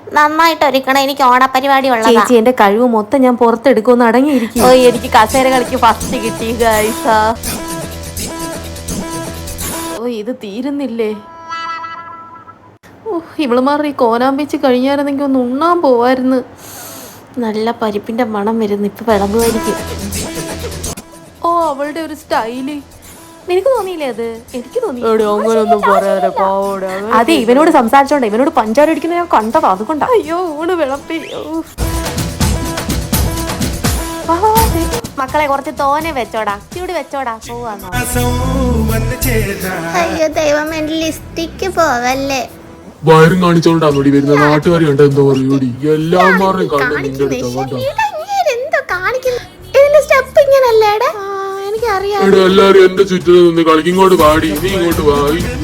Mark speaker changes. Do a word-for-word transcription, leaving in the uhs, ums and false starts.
Speaker 1: നന്നായിട്ട് ഒരുക്കണം, എനിക്ക് ഓണപരിപാടി ഉള്ളതാ.
Speaker 2: ചേച്ചി എന്റെ കഴിവ് മൊത്തം ഞാൻ പുറത്തെടുക്കുമെന്ന് അടങ്ങിയിരിക്കും.
Speaker 1: ഓ എനിക്ക് കസേര കളിക്ക് ഫസ്റ്റ് കിട്ടി ഗൈസ.
Speaker 2: ഓ ഇത് തീരുന്നില്ലേ. ഓ ഇവളുമാർ ഈ കോനാമ്പിച്ച് കഴിഞ്ഞായിരുന്നെങ്കിൽ ഒന്ന് ഉണ്ണാൻ പോവായിരുന്നു. നല്ല പരിപ്പിന്റെ മണം വരുന്നു, ഇപ്പൊ വിളമ്പുമായിരിക്കും. ഓ അവളുടെ ഒരു സ്റ്റൈല് നിനക്ക് തോന്നിയില്ലേ? അത് എനിക്ക് തോന്നി.
Speaker 3: അങ്ങനൊന്നും പറയാതെ പാവോടെ.
Speaker 2: അതെ ഇവനോട് സംസാരിച്ചോണ്ട ഇവനോട് പഞ്ചാര അടിക്കുന്ന ഞാൻ കണ്ടതാ, അതുകൊണ്ടാ.
Speaker 3: അയ്യോ ഊണ് വിളമ്പി.
Speaker 1: മക്കളെ കുറച്ച് തോനെ വെച്ചോടാ, ചൂട് വെച്ചോടാ. പോവാന്നോ? അയ്യോ ദൈവം, എന്റെ ലിസ്റ്റിക്ക് പോവല്ലേ.
Speaker 3: വയറും കാണിച്ചോണ്ടാന്നോടി വരുന്ന നാട്ടുകാരി കണ്ട എന്തോ പറയൂടി. എല്ലാമാരും കണ്ടു നിന്റെ അടുത്ത്.
Speaker 1: എന്തോ കാണിക്കുന്നു ഇതിന്റെ സ്റ്റെപ്പ് ഇങ്ങനല്ലേടാ? എനിക്കറിയാം.
Speaker 3: എല്ലാരും എന്റെ ചുറ്റിനും നിന്ന് കളിക്കും. ഇങ്ങോട്ട് പാടി, നീ ഇങ്ങോട്ട് പാടി.